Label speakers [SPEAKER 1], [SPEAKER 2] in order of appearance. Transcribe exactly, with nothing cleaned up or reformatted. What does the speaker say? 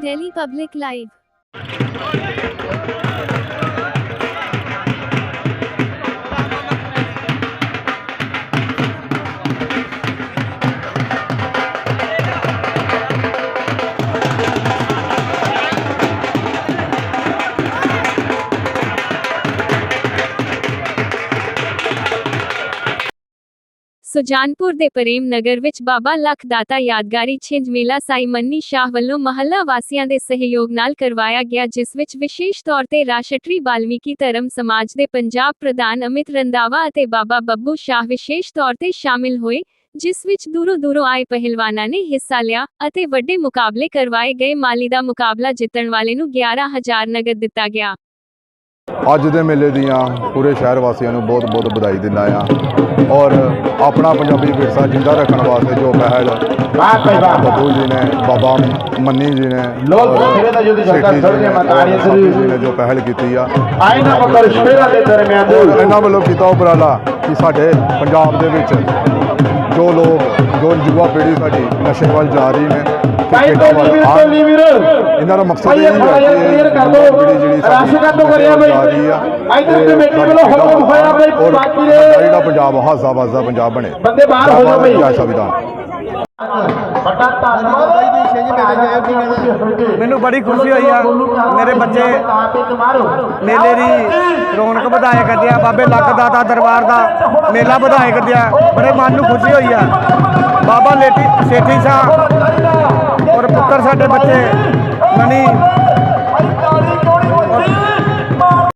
[SPEAKER 1] Delhi Public Live। Sujanpur ਦੇ ਪ੍ਰੇਮ ਨਗਰ ਵਿੱਚ ਬਾਬਾ ਲੱਖ ਦਾਤਾ ਯਾਦਗਾਰੀ ਛਿੰਝ ਮੇਲਾ ਸਾਈ ਮੰਨੀ ਸ਼ਾਹ ਵੱਲੋਂ ਮਹੱਲਾ ਵਾਸੀਆਂ ਦੇ ਸਹਿਯੋਗ ਨਾਲ ਕਰਵਾਇਆ ਗਿਆ, ਜਿਸ ਵਿੱਚ ਵਿਸ਼ੇਸ਼ ਤੌਰ ਤੇ ਰਾਸ਼ਟਰੀ ਬਾਲਮੀਕੀ ਧਰਮ ਸਮਾਜ ਦੇ ਪੰਜਾਬ ਪ੍ਰਧਾਨ ਅਮਿਤ ਰੰਧਾਵਾ ਅਤੇ ਬਾਬਾ ਬੱਬੂ ਸ਼ਾਹ ਵਿਸ਼ੇਸ਼ ਤੌਰ ਤੇ ਸ਼ਾਮਿਲ ਹੋਏ, ਜਿਸ ਵਿੱਚ ਦੂਰੋਂ ਦੂਰੋਂ ਆਏ ਪਹਿਲਵਾਨਾਂ ਨੇ ਹਿੱਸਾ ਲਿਆ ਅਤੇ ਵੱਡੇ ਮੁਕਾਬਲੇ ਕਰਵਾਏ ਗਏ। ਮਾਲੀ ਦਾ ਮੁਕਾਬਲਾ ਜਿੱਤਣ ਵਾਲੇ ਨੂੰ ਗਿਆਰਾਂ ਹਜ਼ਾਰ ਨਗਦ ਦਿੱਤਾ ਗਿਆ।
[SPEAKER 2] ਅੱਜ ਦੇ ਮੇਲੇ ਦੀਆਂ ਪੂਰੇ ਸ਼ਹਿਰ ਵਾਸੀਆਂ ਨੂੰ ਬਹੁਤ ਬਹੁਤ ਵਧਾਈ ਦਿੰਦਾ ਆ ਔਰ ਆਪਣਾ ਪੰਜਾਬੀ ਵਿਰਸਾ ਜਿੰਦਾ ਰੱਖਣ ਵਾਸਤੇ ਜੋ ਪਹਿਲ ਬੱਬੂ ਜੀ ਨੇ, ਬਾਬਾ ਮੰਨੀ ਜੀ ਨੇ, ਜੀ ਨੇ ਜੋ ਪਹਿਲ ਕੀਤੀ ਆ, ਇਹਨਾਂ ਵੱਲੋਂ ਕੀਤਾ ਉਪਰਾਲਾ ਕਿ ਸਾਡੇ ਪੰਜਾਬ ਦੇ ਵਿੱਚ ਜੋ ਲੋਕ ਜੋ ਯੁਵਾ ਪੀੜ੍ਹੀ ਸਾਡੀ ਨਸ਼ੇ ਵੱਲ ਜਾ ਰਹੀ ਨੇ, ਇਹਨਾਂ ਦਾ ਮਕਸਦ ਇਹ ਹੈ ਕਿ ਜਿਹੜੀ ਜਿਹੜਾ ਪੰਜਾਬ ਹਾਸਾ ਵਾਸਾ ਪੰਜਾਬ ਬਣੇ। ਸੰਵਿਧਾਨ
[SPEAKER 3] ਮੈਨੂੰ ਬੜੀ ਖੁਸ਼ੀ ਹੋਈ ਆ। ਮੇਰੇ ਬੱਚੇ ਮੇਲੇ ਦੀ ਰੌਣਕ ਵਧਾਇਆ ਕਰਦੇ ਆ। ਬਾਬੇ ਲੱਖ ਦਾਤਾ ਦਰਬਾਰ ਦਾ ਮੇਲਾ ਵਧਾਇਆ ਕਰਦੇ ਆ। ਬੜੇ ਮਨ ਨੂੰ ਖੁਸ਼ੀ ਹੋਈ ਆ। ਬਾਬਾ ਲੇਟੀ ਸੇਠੀ ਸਾਹਿਬ ਔਰ ਪੁੱਤਰ ਸਾਡੇ ਬੱਚੇ ਮਨੀ